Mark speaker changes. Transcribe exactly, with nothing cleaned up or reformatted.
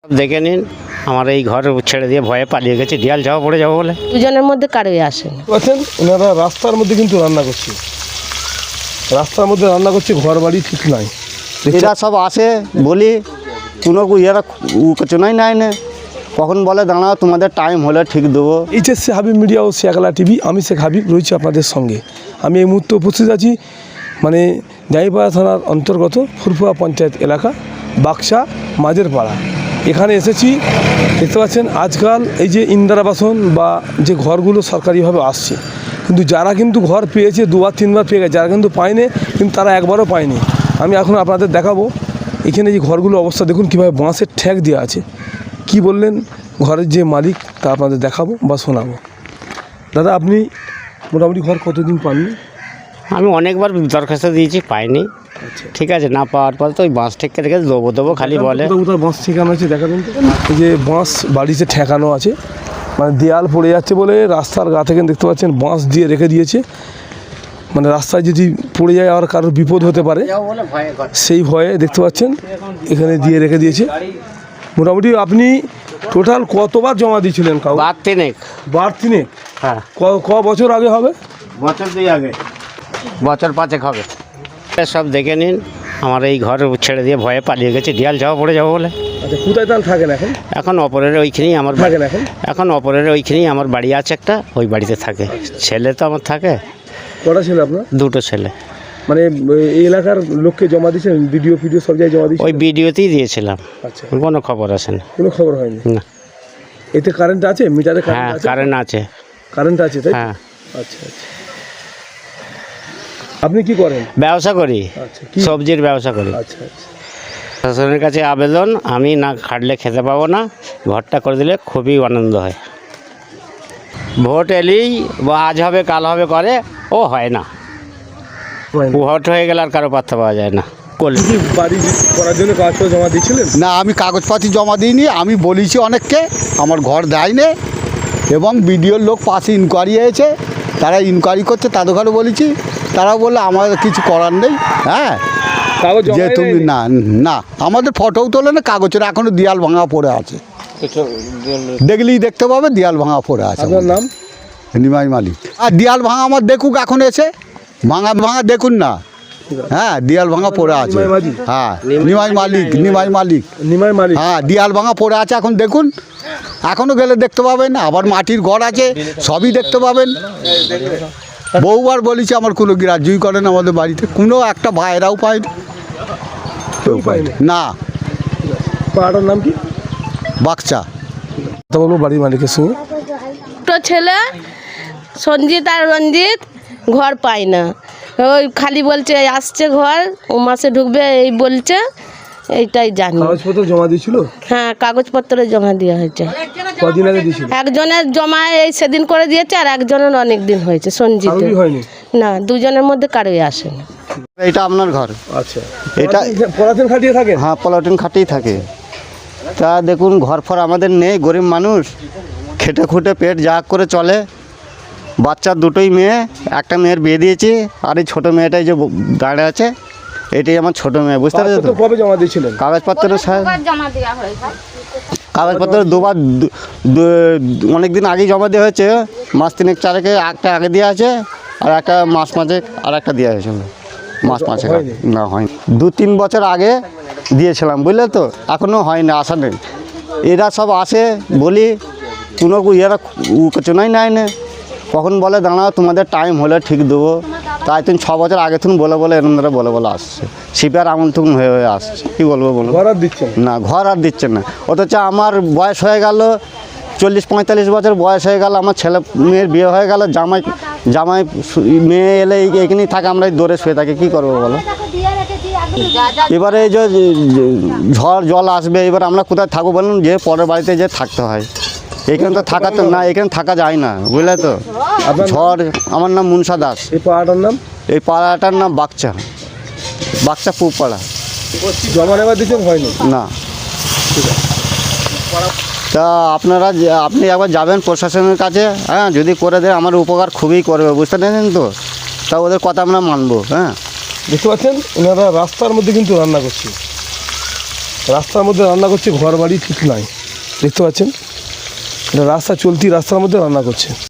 Speaker 1: দেখে নিন আমার এই ঘর ছেড়ে দিয়ে ভয়ে পালিয়ে গেছে, দেয়াল যাওয়া পড়ে যাবো বলে।
Speaker 2: দুজনের মধ্যে কারোই আসেন
Speaker 3: বলছেন ওনারা রাস্তার মধ্যে কিন্তু রান্না করছে, রাস্তার মধ্যে রান্না করছে, ঘর বাড়ি ঠিক নাই।
Speaker 4: এরা সব আসে বলি কোনো এরা উচনাই নাই না, কখন বলে দাঁড়াও তোমাদের টাইম হলে ঠিক দেবো।
Speaker 3: এইচএসসি হাবিব মিডিয়া ও শেখালা টিভি, আমি শেখ হাবিব রয়েছি আপনাদের সঙ্গে। আমি এই মুহূর্তে উপস্থিত আছি মানে জাইপাড়া থানার অন্তর্গত ফুরফুরা পঞ্চায়েত এলাকা বাক্সা মাঝের পাড়া। এখানে এসেছি, দেখতে পাচ্ছেন আজকাল এই যে ইন্দিরা আবাসন বা যে ঘরগুলো সরকারিভাবে আসছে, কিন্তু যারা কিন্তু ঘর পেয়েছে দুবার তিনবার পেয়ে গেছে, যারা কিন্তু পায়নি কিন্তু তারা একবারও পায়নি। আমি এখন আপনাদের দেখাবো এখানে যে ঘরগুলো অবস্থা দেখুন কীভাবে বাঁশের ঠ্যাক দেওয়া আছে। কি বললেন ঘরের যে মালিক তা আপনাদের দেখাবো বা শোনাবো। দাদা আপনি মোটামুটি ঘর কতদিন পাননি?
Speaker 1: আমি অনেকবার দরখাস্ত দিয়েছি, পাইনি। ঠিক আছে, না পাওয়ার পর তো ওই বাঁশ ঠেকে রেখে দেবো দেবো খালি বলে।
Speaker 3: কোথাও বাঁশ ঠেকানো আছে দেখাবেন তো? এই যে বাঁশ বাড়িতে ঠেকানো আছে, মানে দেয়াল পড়ে যাচ্ছে বলে রাস্তার গা থেকে দেখতে পাচ্ছেন বাঁশ দিয়ে রেখে দিয়েছে, মানে রাস্তায় যদি পড়ে যায় আর কারোর বিপদ হতে পারে সেই ভয়ে দেখতে পাচ্ছেন এখানে দিয়ে রেখে দিয়েছে। মোটামুটি আপনি টোটাল কতবার জমা দিয়েছিলেন? কাউ
Speaker 1: বার তিনেক।
Speaker 3: বার তিনেক?
Speaker 1: হ্যাঁ।
Speaker 3: ক বছর আগে হবে?
Speaker 1: বছর দুই আগে, বছর পাঁচেক হবে। সব দেখে নিন আমার এই ঘর ছেড়ে দিয়ে ভয়ে পালিয়ে গেছে, দেয়াল যাওয়া পড়ে যাবো বলে।
Speaker 3: আচ্ছা, কোথায় তাহলে থাকেন এখন?
Speaker 1: এখন অপরের ওইখানেই আমার
Speaker 3: থাকেন এখন?
Speaker 1: এখন অপরের ওইখানেই আমার বাড়ি আছে একটা, ওই বাড়িতে থাকে। ছেলে তো আমার থাকে।
Speaker 3: কটা ছেলে আপনার?
Speaker 1: দুটো ছেলে।
Speaker 3: মানে এই এলাকার লোককে জমা দিয়েছেন? ভিডিও ভিডিও সব জায়গায় জমা দিয়েছেন?
Speaker 1: ওই ভিডিওতেই দিয়েছিলাম।
Speaker 3: আচ্ছা,
Speaker 1: কোনো খবর আসে না।
Speaker 3: কোনো খবর হয়নি?
Speaker 1: না।
Speaker 3: এতে কারেন্ট আছে? মিটারে
Speaker 1: হ্যাঁ,
Speaker 3: কারেন্ট আছে?
Speaker 1: কারেন্ট আছে।
Speaker 3: কারেন্ট আছে তাই?
Speaker 1: হ্যাঁ।
Speaker 3: আচ্ছা আচ্ছা। আপনি কি করেন?
Speaker 1: ব্যবসা করি,
Speaker 3: আচ্ছা, কি
Speaker 1: সবজির ব্যবসা করি।
Speaker 3: আচ্ছা আচ্ছা।
Speaker 1: শাসনের কাছে আবেদন, আমি না খাটলে খেতে পাবো না, ঘরটা করে দিলে খুবই আনন্দ হয়। ভোট এলেই বা আজ হবে কাল হবে করে, ও হয় না। ভোট হয়ে গেলে আর কারো পাত্তা পাওয়া যায় না। করলে
Speaker 3: কি বাড়ি করার জন্য কাগজপত্র জমা দিয়েছিলেন?
Speaker 4: না, আমি কাগজপাতি জমা দিইনি। আমি বলেছি অনেককে আমার ঘর দেয়নি, এবং বিডিওর লোক পাশে ইনকোয়ারি হয়েছে, তারা ইনকোয়ারি করছে, তাদের ঘরে বলেছি, তারা বললো আমাদের কিছু করার নেই। হ্যাঁ,
Speaker 3: কাগজ
Speaker 4: যে তুমি না না আমাদের ফটোও তোলে না, কাগজের এখনও দেয়াল ভাঙা পড়ে আছে, দেখলেই দেখতে পাবে দেয়াল ভাঙা পড়ে আছে।
Speaker 3: আপনার নাম?
Speaker 4: নিমাই মালিক। আর দেয়াল ভাঙা আমার দেখুক, এখন এসে ভাঙা ভাঙা দেখুন না। হ্যাঁ, দেয়াল ভাঙা পড়ে আছে। হ্যাঁ, নিমাই মালিক, নিমাই মালিক,
Speaker 3: নিমাই মালিক।
Speaker 4: হ্যাঁ, দেয়াল ভাঙা পড়ে আছে এখন দেখুন, এখনও গেলে দেখতে পাবেন। আবার মাটির ঘর আছে, সবই দেখতে পাবেন। বহুবার বলেছি, আমার কোনো গ্রাহ্যই করেন আমাদের বাড়িতে, কোনো একটা ভাইরাও পায়নি, কেউ পায়নি না।
Speaker 3: পাড়াটার নাম কি?
Speaker 4: বাক্সা।
Speaker 3: কথা বলবো বাড়ির মালিকের সঙ্গে।
Speaker 2: দুটো ছেলে সঞ্জিত আর রঞ্জিত ঘর পায় না, ওই খালি বলছে আসছে ঘর, ও মাসে ঢুকবে এই বলছে, এইটাই জানি।
Speaker 3: কাগজপত্র জমা দিয়েছিল?
Speaker 2: হ্যাঁ, কাগজপত্র জমা দেওয়া হয়েছে।
Speaker 3: কদিন আগে দিয়েছিল?
Speaker 2: একজনের জমা এই সেদিন করে দিয়েছে, আর একজনের অনেক দিন হয়েছে। সঞ্জিত
Speaker 3: কারোরই হয়নি?
Speaker 2: না, দুজনের মধ্যে কারোই আসেনি।
Speaker 4: এটা আপনার ঘর?
Speaker 3: আচ্ছা।
Speaker 4: এটা
Speaker 3: পলাতেন খাটিয়ে থাকে?
Speaker 4: হ্যাঁ, পলাটিন খাটেই থাকে। তা দেখুন, ঘর ফর আমাদের নেই, গরিব মানুষ, খেটে খুঁটে পেট যা করে চলে। বাচ্চার দুটোই মেয়ে, একটা মেয়ের বিয়ে দিয়েছি, আর এই ছোটো মেয়েটাই যে দাঁড়িয়ে আছে, এটাই আমার ছোটো মেয়ে, বুঝতে পারছো তো?
Speaker 3: কবে জমা দিয়েছিলেন?
Speaker 4: কাগজপত্র স্যার, কাগজপত্র দুবার অনেক দিন আগেই জমা দেওয়া হয়েছে, মাস তিনেক চারেকে একটা আগে দেওয়া আছে, আর একটা মাস পাঁচেক আর একটা দেওয়া হয়েছিল, মাস পাঁচেক না হয়নি। দু তিন বছর আগে দিয়েছিলাম, বুঝলে তো, এখনও হয়নি, আসা নেই। এরা সব আসে বলি কোনো এরা উচনাই নেয় না, কখন বলে দাঁড়াও তোমাদের টাইম হলে ঠিক দেবো। তাই তুমি ছ বছর আগে তুমি বলে বলে এরম ধরে বলে বলে আসছে, সিপিআর আমল তখন হয়ে হয়ে আসছে। কী বলবো বলো?
Speaker 3: ঘর আর দিচ্ছে
Speaker 4: না, ঘর আর দিচ্ছে না। অথচ আমার বয়স হয়ে গেল চল্লিশ পঁয়তাল্লিশ বছর বয়স হয়ে গেল, আমার ছেলে মেয়ের বিয়ে হয়ে গেল, জামাই জামাই মেয়ে এলে এইখানেই থাকে, আমরা দৌড়ে শুয়ে থাকি, কী করবো বলো? এবারে এই যে ঝড় জল আসবে, এবার আমরা কোথায় থাকবো বলুন? যে পরের বাড়িতে যে থাকতে হয়, এখানে তো থাকা তো না, এখানে থাকা যায় না, বুঝলে তো। ঝড়। আমার নাম মুনসা দাস।
Speaker 3: এই পাড়াটার নাম?
Speaker 4: এই পাড়াটার নাম বাক্সা, বাক্সা পূব পাড়া।
Speaker 3: জমা নেওয়া দিয়েছেন? হয়নি
Speaker 4: না। তা আপনারা আপনি একবার যাবেন প্রশাসনের কাছে, হ্যাঁ, যদি করে দেয় আমার উপকার খুবই করবে, বুঝতে পেরেছেন তো। তা ওদের কথা আমরা মানবো। হ্যাঁ,
Speaker 3: দেখতে পাচ্ছেন ওনারা রাস্তার মধ্যে কিন্তু রান্না করছে, রাস্তার মধ্যে রান্না করছে, ঘর বাড়ি ঠিক নাই, দেখতে পাচ্ছেন, এটা রাস্তা চলতি রাস্তার মধ্যে রান্না করছে।